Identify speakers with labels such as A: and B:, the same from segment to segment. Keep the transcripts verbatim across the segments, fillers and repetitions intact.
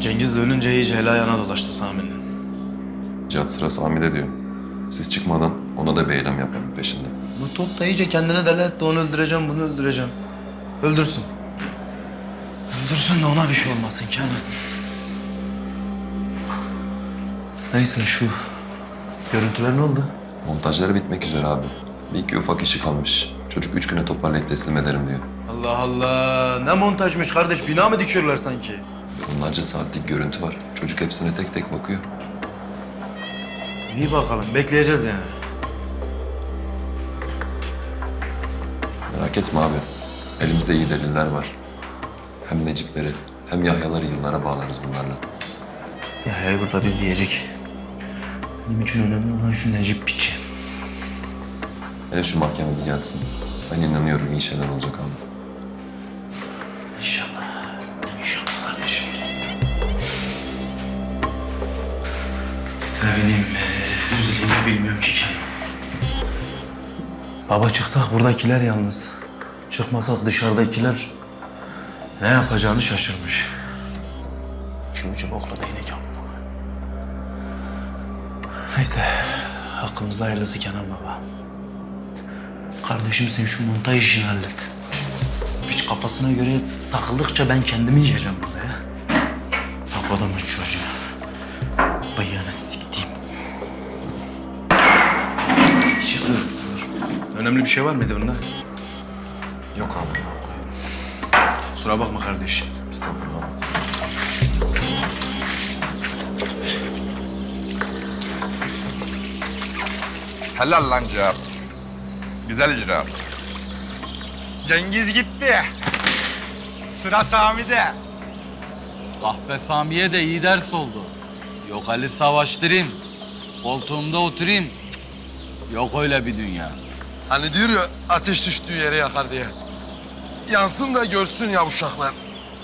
A: Cengiz de ölünce iyice el ayağına dolaştı Sami'nin.
B: Cihat sıra Sami'de diyor. Siz çıkmadan ona da bir eylem yapalım peşinde.
A: Bu top da iyice kendine deli etti. Onu öldüreceğim, bunu öldüreceğim. Öldürsün. Öldürsün de ona bir şey olmasın Kenan. Neyse şu görüntüler ne oldu?
B: Montajları bitmek üzere abi. Bir iki ufak işi kalmış. Çocuk üç güne toparlayıp teslim ederim diyor.
A: Allah Allah. Ne montajmış kardeş. Bina mı dikiyorlar sanki?
B: Onlarca saatlik görüntü var. Çocuk hepsine tek tek bakıyor.
A: İyi bakalım. Bekleyeceğiz yani.
B: Merak etme abi. Elimizde iyi deliller var. Hem Necipleri hem Yahyaları yıllara bağlarız bunlarla.
A: Ya hey burada biz yiyecek. Benim için önemli olan şu Necip piçi.
B: Hele şu mahkeme bir gelsin. Ben inanıyorum iyi şeyler olacak abi.
A: İnşallah. İnşallah kardeşim. Sevineyim mi, üzüleyim mi bilmiyorum ki kendim. Baba çıksak buradakiler yalnız. Çıkmasak dışarıdakiler ne yapacağını şaşırmış. İki ucu bokla değnek yapma. Neyse, hakkımızda hayırlısı Kenan baba. Kardeşim sen şu montaj işini hallet. Hiç kafasına göre takıldıkça ben kendimi yiyeceğim burada ya. Tak adamın çocuğu. Bıyığını siktiğim. Çıkıyor. Önemli bir şey var mıydı bunda?
B: Yok abi.
A: Kusura bakma kardeşim.
B: Estağfurullah.
C: Helal lan Cihat. Güzel icra. Cengiz gitti. Sıra Sami'de.
D: Kahpe Sami'ye de iyi ders oldu. Yok Ali savaştırayım, koltuğumda oturayım. Cık, yok öyle bir dünya.
E: Hani diyor ya ateş düştüğü yere yakar diye. Yansın da görsün ya uşaklar.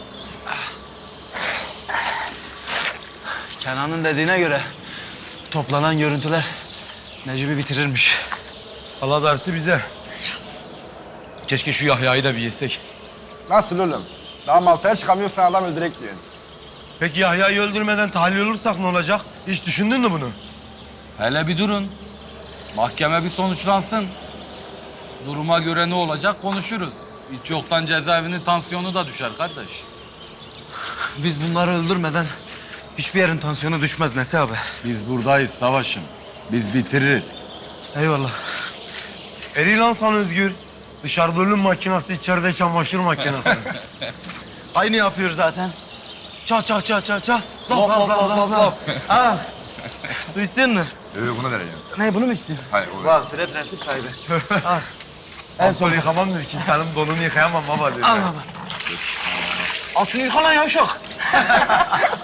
A: Kenan'ın dediğine göre toplanan görüntüler Necip'i bitirirmiş.
E: Allah dersi bize. Keşke şu Yahya'yı da bir yesek.
C: Nasıl oğlum? Daha Malta'ya çıkamıyorsan adam öldürek diyorsun.
E: Peki Yahya'yı öldürmeden tahlil olursak ne olacak? Hiç düşündün mü bunu?
D: Hele bir durun. Mahkeme bir sonuçlansın. Duruma göre ne olacak konuşuruz. Hiç yoktan cezaevinin tansiyonu da düşer kardeş.
A: Biz bunları öldürmeden hiçbir yerin tansiyonu düşmez Nesi abi.
D: Biz buradayız savaşım. Biz bitiririz.
A: Eyvallah.
E: Eri lan sana Özgür. Dışarıda ölüm makinası, içeride çamaşır makinası.
A: Aynı yapıyor zaten. Çal çal çal çal çal. Lop lop lop lop lop. Ha. Su istiyor musun?
C: Ee, bunu vereyim.
A: Ne bunu mu istiyorsun?
C: Hayır, o
A: Bak bre prensip sahibi. Al.
E: En son yıkamam diyor ki senin donunu yıkayamam baba diyor.
A: Al baba. Al şunu yıka lan yavşak.